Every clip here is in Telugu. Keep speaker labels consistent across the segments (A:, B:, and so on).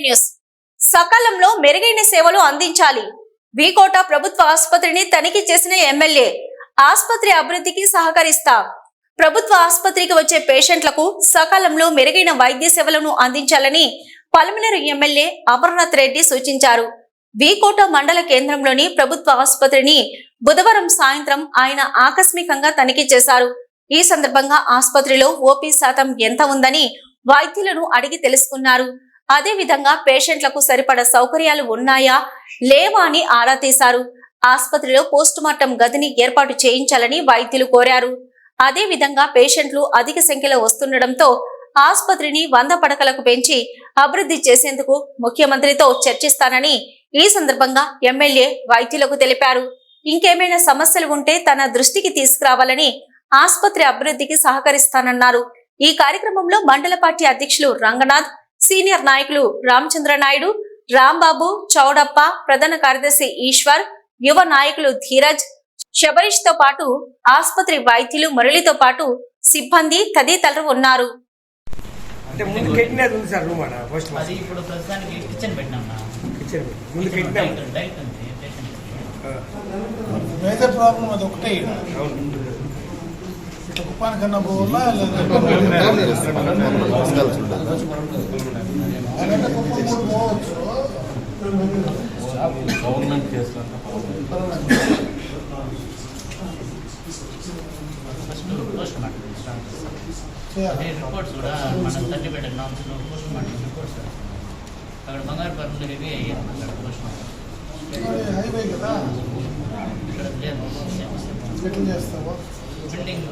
A: న్యూస్. సకాలంలో మెరుగైన సేవలు అందించాలి. వీకోట ప్రభుత్వ ఆసుపత్రిని తనిఖీ చేసిన ఎమ్మెల్యే. ఆసుపత్రి అభివృద్ధికి సహకరిస్తా. ప్రభుత్వ ఆసుపత్రికి వచ్చే పేషెంట్లకు సకాలంలో మెరుగైన వైద్య సేవలను అందించాలని పలమనేరు ఎమ్మెల్యే అమర్నాథ్ రెడ్డి సూచించారు. వీకోట మండల కేంద్రంలోని ప్రభుత్వ ఆసుపత్రిని బుధవారం సాయంత్రం ఆయన ఆకస్మికంగా తనిఖీ చేశారు. ఈ సందర్భంగా ఆసుపత్రిలో ఓపీ శాతం ఎంత ఉందని వైద్యులను అడిగి తెలుసుకున్నారు. అదే విధంగా పేషెంట్లకు సరిపడ సౌకర్యాలు ఉన్నాయా లేవా అని ఆరా తీశారు. ఆసుపత్రిలో పోస్టుమార్టం గదిని ఏర్పాటు చేయించాలని వైద్యులు కోరారు. అదే విధంగా పేషెంట్లు అధిక సంఖ్యలో వస్తుండటంతో ఆసుపత్రిని 100 పడకలకు పెంచి అభివృద్ధి చేసేందుకు ముఖ్యమంత్రితో చర్చిస్తానని ఈ సందర్భంగా ఎమ్మెల్యే వైద్యులకు తెలిపారు. ఇంకేమైనా సమస్యలు ఉంటే తన దృష్టికి తీసుకురావాలని, ఆసుపత్రి అభివృద్ధికి సహకరిస్తానన్నారు. ఈ కార్యక్రమంలో మండల పార్టీ అధ్యక్షులు రంగనాథ్, సీనియర్ నాయకులు రామచంద్ర నాయుడు, రాంబాబు, చౌడప్ప, ప్రధాన కార్యదర్శి ఈశ్వర్, యువ నాయకులు ధీరజ్, శబరీష్ తో పాటు ఆసుపత్రి వైద్యులు మురళితో పాటు సిబ్బంది తదితరులు ఉన్నారు.
B: మేజర్ ప్రాబ్లం అది ఒకటే. ఇట్లా కుప్పాని కన్నా పోవాలా పోవచ్చు.
C: గవర్నమెంట్ చేస్తారు.
D: రిపోర్ట్స్ కూడా మనం తల్లి పెట్టిన పోస్ట్ మార్టం రిపోర్ట్స్ అక్కడ బంగారు పరులు హెవీ అయ్యారు. అక్కడ పోస్ట్ మార్టం
B: హైవే కదా,
D: ఇక్కడ లేదు.
B: ఎట్లా చేస్తావా
D: బిల్డింగ్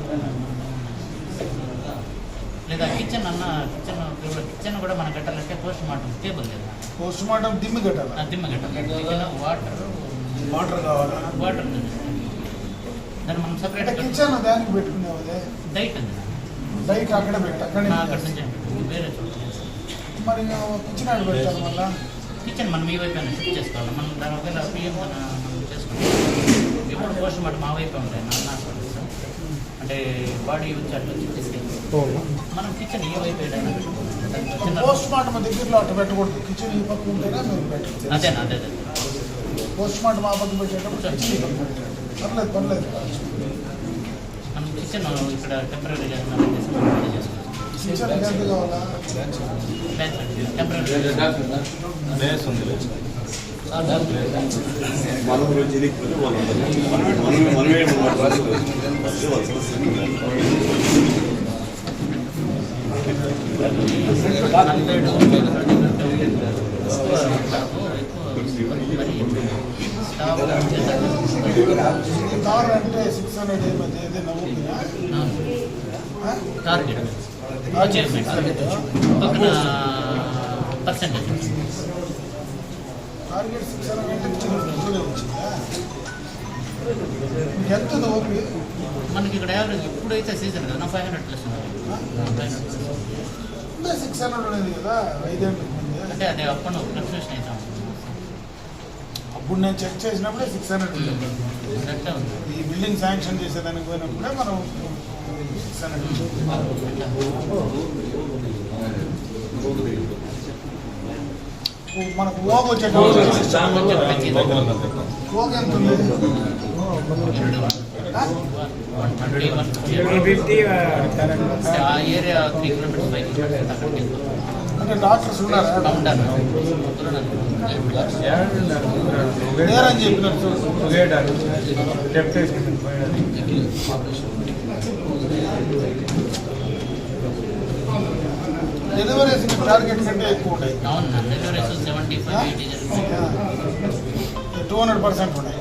D: లేదా కిచెన్ అన్న కిచెన్ కూడా మనం కట్టాలంటే పోస్ట్ మార్టం టేబుల్ లేదా
B: పోస్ట్ మార్టం దిమ్మి కట్టాలి.
D: దిమ్మ కట్టాలి. వాటర్
B: కావాలా?
D: వాటర్ దాన్ని మనం సపరేట్
B: కిచెన్ దానికి పెట్టుకునేవాళ్ళే.
D: డైట్ ఉంది.
B: డైట్ అక్కడ పెట్టి అక్కడ
D: నుంచి వేరే చోట
B: మరి కిచెన్ ఆడ పెట్టాలి. మళ్ళీ
D: కిచెన్ మనం ఈ వైపు షిఫ్ట్ చేసుకోవాలి. మనం దాని ఒకవేళ పిఎం మనం చేసుకుంటాం. ఎప్పుడు పోస్ట్ మార్టం మా వైపు ఉంటాయి. నాన్న అంటే బాడీ వచ్చి అట్లా తీసుకెళ్ళి మనం కిచెన్ ఈ వైపు ఏదైనా
B: పోస్ట్ మార్టం దగ్గరలో అట్లా పెట్టకూడదు. కిచెన్ ఈ పక్క ఉంటేనే మేము పెట్టాలి.
D: అదేనా అదే
B: పోస్ట్ మార్టం ఆ పక్క పెట్టేటప్పుడు పర్లేదు పర్లేదు.
D: మనం కిచెన్ ఇక్కడ టెంపరీగా
B: కిచెన్ ఎంత కావాలా?
D: టెంపరీ
B: కార్ అంటే 600 ఏదైనా
D: టార్గెట్ పక్కన పర్సెంటేజ్
B: టార్గెట్ 600 వచ్చిందా? ఎంత ఓపి
D: మనకి ఇక్కడ యావరేజ్ ఇప్పుడైతే సీజన్ కదా 500 ప్లస్
B: 600 ఉండేది కదా 5 గంటల ముందే.
D: అంటే అదే అప్పుడు ఫ్లక్చుయేషన్ అవుతాం.
B: అప్పుడు నేను చెక్ చేసినప్పుడే 600 ఉండేది. ఈ బిల్డింగ్ శాంక్షన్ చేసేదానికి పోయినప్పుడే మనం 600 మనకు ఓగ వచ్చేటప్పుడు ఓగ ఎంత ఉంది?
D: ఏరియా 3 కిలోమీటర్స్ 5 కిలోమీటర్స్ అక్కడికి
B: అంటే డాక్టర్స్ ఉన్నారా? లేరని చెప్పినట్టు డెలివరీస్ టార్గెట్ కంటే ఎక్కువ ఉంటాయి.
D: అవును, డెలివరీస్ 75-80
B: 200% ఉన్నాయి.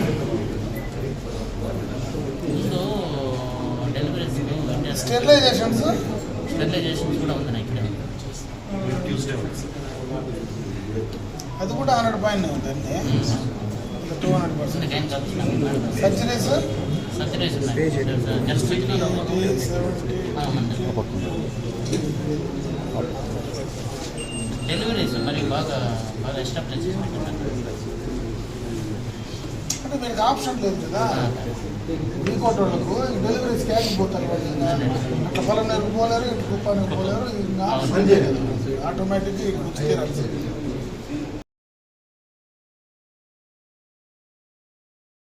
D: డెలివరీస్
B: స్టెరిలైజేషన్స్
D: కూడా ఉంది ఇక్కడ.
B: అది కూడా 100 పైన ఉందండి. 200%. సర్జరీస్
D: డెలివరీస్ మరి బాగా ఎస్టాబ్లిష్
B: అంటే మీకు ఆప్షన్ లేదు కదా. వీకోట్ వాళ్ళకు డెలివరీ స్కాన్ పోతారు వాళ్ళు అట్లా పొలం పోలేరు ఇటు కుప్పానికి పోలేరు ఇంకా ఆటోమేటిక్గా ఇటు వచ్చి తీరాలి.